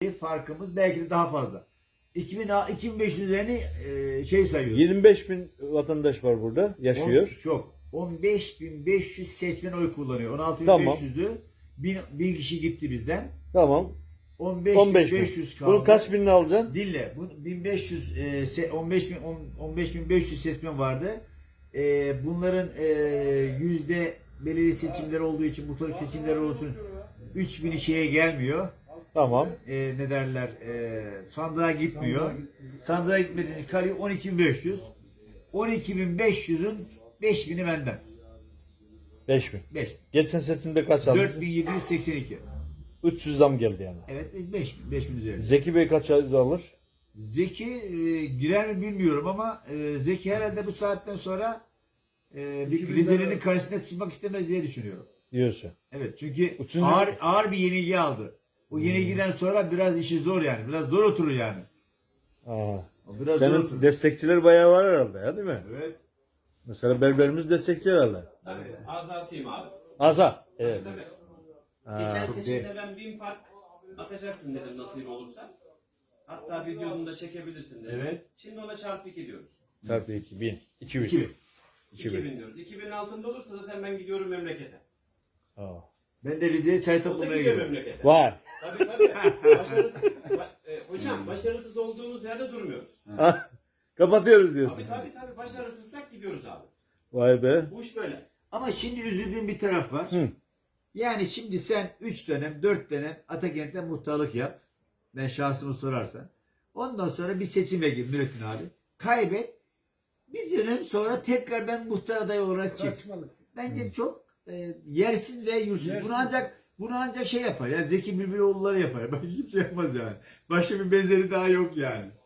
farkımız belki de daha fazla. 2500 üzerine şey sayıyoruz. 25.000 vatandaş var burada yaşıyor. Çok. 15.500 seçmen oy kullanıyor. 16.500'dü. Tamam. 1000 kişi gitti bizden. Tamam. 15.500 kaldı. Bunun kaç binini alacaksın? Dinle. Bu 15.500 seçmen vardı. Bunların yüzde belirli seçimler olduğu için, muhtarlık seçimleri olduğu için 3000'i şeye gelmiyor. Tamam. Ne derler? Sandığa gitmiyor. Sandığa gitmediğinde kalıyor 12.500. 12.500'ün 5.000'i benden. 5.000. 5. Geçen seçimde kaç aldın? 4.782. 300 zam geldi yani. Evet 5.000 üzerinde. Zeki Bey kaç alır? Zeki girer mi bilmiyorum ama Zeki herhalde bu saatten sonra bir Rize'nin karşısına çıkmak istemez diye düşünüyorum. Diyorsun. Evet çünkü Üçüncü... ağır bir yenilgi aldı. O yenilgiden sonra biraz işi zor yani. Biraz zor oturur yani. Aa. Biraz zor oturur. Senin destekçiler bayağı var herhalde ya, değil mi? Evet. Mesela berberimiz destekçi herhalde. Tabii. Azasıyım abi. Asa. Evet. Tabii. Ha. Geçen seçimde ben 1000 fark atacaksın dedim nasip olursa. Hatta videonu da çekebilirsin dedim. Evet. Şimdi ona çarpı 2 diyoruz. Çarpı 2000. 2000. 2000 diyoruz. 2000'in altında olursa zaten ben gidiyorum memlekete. Aa. Ben de Rize'ye çay O da toplamaya gidiyor gidiyorum. memlekete. Var. Tabii tabii. Hocam başarısız olduğumuz yerde durmuyoruz. Kapatıyoruz diyorsun. Tabii. Başarısızsak gidiyoruz abi. Vay be. Bu iş böyle. Ama şimdi üzüldüğüm bir taraf var. Hı. Yani şimdi sen 3 dönem, 4 dönem Atakent'te muhtarlık yap. Ben şahsımı sorarsan. Ondan sonra bir seçime gir Nurettin abi. Kaybet. Bir dönem sonra tekrar ben muhtar adayı olarak çık. Bence çok yersiz ve yursuz. Bunu ancak şey yapar. Yani Zeki Bülbüloğulları yapar. Başka kimse yapmaz yani. Başka bir benzeri daha yok yani.